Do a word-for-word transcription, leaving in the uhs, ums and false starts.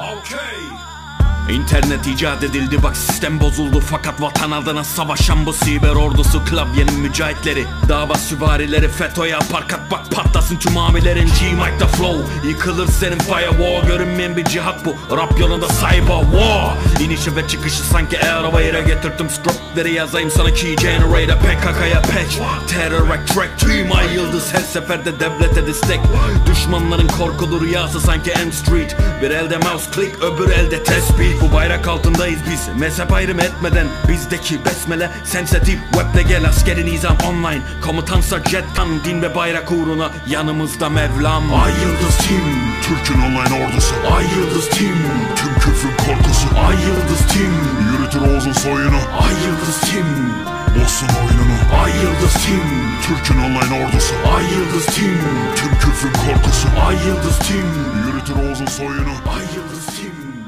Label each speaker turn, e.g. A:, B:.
A: İnternet icat edildi, bak sistem bozuldu. Fakat vatan adına savaşan bu siber ordusu, klavyenin mücahitleri, dava süvarileri, FETÖ'ye parkat bak patlasın tüm amilerin. G-Mike'da flow, yıkılır senin firewall. Görünmeyen bir cihat bu, rap yolunda cyber war. İnişi ve çıkışı sanki Airwave'e getirdim. Scriptleri yazayım sana key generator. P K K'ya patch, terror track, tüm ay yıldız her seferde devlete destek. Düşmanların korkulu rüyası sanki M Street. Bir elde mouse click, öbür elde tespih. Bu bayrak altındayız biz, mezhep ayrım etmeden. Bizdeki besmele sensitif, webde gel askeri nizam online. Komutansa jettan, din ve bayrak uğruna yanımızda Mevlam.
B: Ay Yıldız Team, Türk'ün online ordusu.
A: Ay Yıldız Team,
B: tüm küfrün korkusu.
A: Ay Yıldız Team,
B: yürütür Oğuz'un soyunu.
A: Ay Yıldız Team,
B: bozsun oyununu.
A: Ay Yıldız Team,
B: Türk'ün online ordusu.
A: Ay Yıldız Team,
B: tüm küfrün korkusu.
A: Ay Yıldız Team,
B: yürütür Oğuz'un soyunu.
A: Ay Yıldız Team.